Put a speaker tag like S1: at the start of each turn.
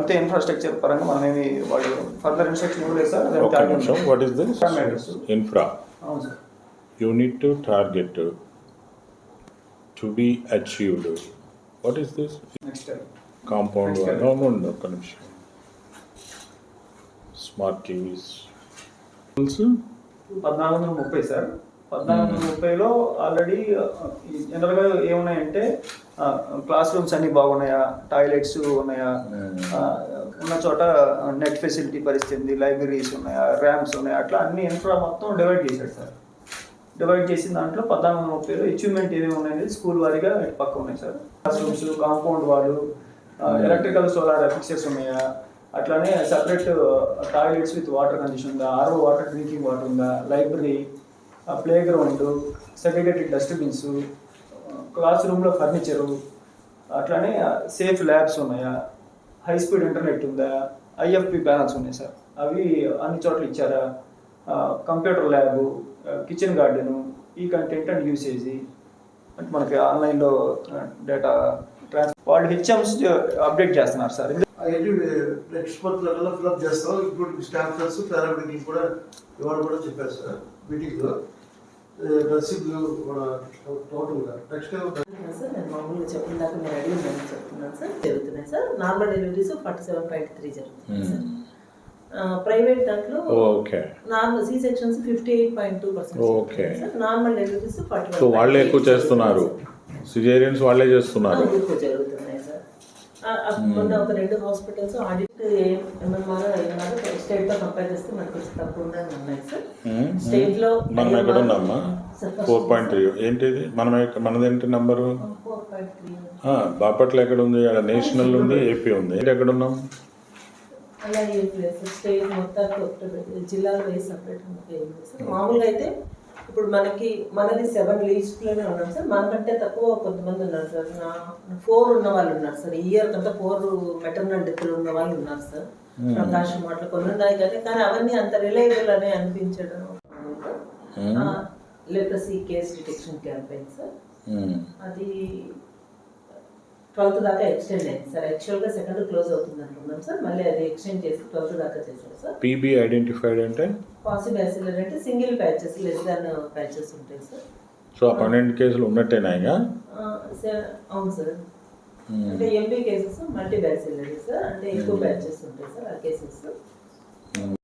S1: అంతే ఇన్ఫ్రాస్ట్రక్చర్ పరంగా మనమేమి వాళ్ళు ఫర్దర్ ఇన్స్ట్రక్షన్ ఇవ్వలేదు sir.
S2: What is this infra?
S1: అవును sir.
S2: You need to target to be achieved. What is this?
S1: Next time
S2: Compound
S1: Next
S2: wall.
S1: time.
S2: No, connection. Smart TVs.
S1: 1430 sir. 1430లో already జనరల్గా ఏమున్నాయంటే class rooms అన్నీ బాగున్నాయా, toilets ఉన్నాయా, ఉన్న చోట net facility పరిస్థితి ఉంది, లైబ్రరీస్ ఉన్నాయా, ర్యామ్స్ ఉన్నాయా, అట్లా అన్ని ఇన్ఫ్రా మొత్తం డివైడ్ చేశాడు సార్. డివైడ్ చేసిన దాంట్లో 1430లో అచీవ్మెంట్ ఏమేమి ఉన్నాయనేది స్కూల్ వారీగా ఇటు పక్క ఉన్నాయి sir. Class rooms, compound walls, electrical solar fixes ఉన్నాయా, అట్లానే separate toilets with water condition ఉందా, ఆర్ఓ వాటర్ డ్రింకింగ్ వాటర్ ఉందా, library, play ground, segregated dustbins, class రూమ్లో ఫర్నిచరు, అట్లానే సేఫ్ ల్యాబ్స్ ఉన్నాయా, హై స్పీడ్ ఇంటర్నెట్ ఉందా, ఐఎఫ్పి ప్యానల్స్ ఉన్నాయి sir, అవి అన్ని చోట్ల ఇచ్చారా, కంప్యూటర్ ల్యాబు, కిచెన్ గార్డెను, ఈ కంటెంట్ అండ్ యూసేజ్ అంటే మనకి ఆన్లైన్లో డేటా వాళ్ళు హెచ్ఎంస్ అప్డేట్ చేస్తున్నారు సార్.
S3: నెక్స్ట్ మంత్ లో ఫిల్అప్ చేస్తాం. ఇప్పుడు స్టాంప్స్ పారామెడికల్ కూడా ఇవాళ కూడా చెప్పారు సార్ మీటింగ్లో. రసీదులు కూడా టోటల్గా నెక్స్ట్
S4: సార్ నేను మామూలుగా చెప్పిందాక మీరు అడిగిందని చెప్తున్నాను సార్. జరుగుతున్నాయి సార్. నార్మల్ డెలివరీస్ 47.3 జరుగుతున్నాయి సార్. ప్రైవేట్ దాంట్లో normal C sections 58.2%. Normal deliveries 41.
S2: So వాళ్ళే ఎక్కువ చేస్తున్నారు, సిజేరియన్స్ వాళ్ళే చేస్తున్నారు.
S4: ఎక్కువ జరుగుతున్నాయి సార్. మొన్న ఒక 2 హాస్పిటల్స్ ఆడిట్ ఎంఎంఆర్ స్టేట్ తో కంపేర్ చేస్తే మనకు కొంచెం తక్కువగా ఉన్నాయి సార్. స్టేట్ లో
S2: మనం ఎక్కడ ఉన్నామా? 4.3. ఏంటిది మనదేంటి నంబరు?
S4: 4.3.
S2: బాపట్ల ఎక్కడ ఉంది? నేషనల్ ఉంది, ఏపీ ఉంది. ఎక్కడ ఉన్నాం?
S4: అలా ఏం లేదు సార్. స్టేట్ మొత్తానికి జిల్లాలో వేసి సపరేట్ ఏం లేదు సార్. మామూలుగా అయితే ఇప్పుడు మనది 7 లీస్ట్లోనే ఉన్నాం సార్. మనకంటే తక్కువ కొంతమంది ఉన్నారు సార్. 4 ఉన్న వాళ్ళు ఉన్నారు సార్. ఈ ఇయర్ కంటే 4 మెటర్నల్ డెత్లు ఉన్న వాళ్ళు ఉన్నారు సార్. ప్రకాశం అట్లా కొన్ని ఉన్నాయి కానీ అవన్నీ అంత రిలయబుల్ అని అనిపించడం. Leprosy case detection campaign sir, అది 12th దాకా ఎక్స్టెండ్ అయింది సార్. యాక్చువల్గా 2nd క్లోజ్ అవుతుంది అనుకున్నాం సార్. మళ్ళీ అది ఎక్స్టెండ్ చేసి 12th దాకా చేశారు సార్.
S2: పీబీ ఐడెంటిఫైడ్ అంటే
S4: పాసిబ్యాసిలర్ అంటే single patches, less than patches ఉంటాయి సార్.
S2: సో 12 కేసులు ఉన్నట్టేనా?
S4: అవును సార్. అంటే MB cases multi bacillary sir, అంటే ఎక్కువ బ్యాచెస్ ఉంటాయి సార్ ఆ కేసెస్.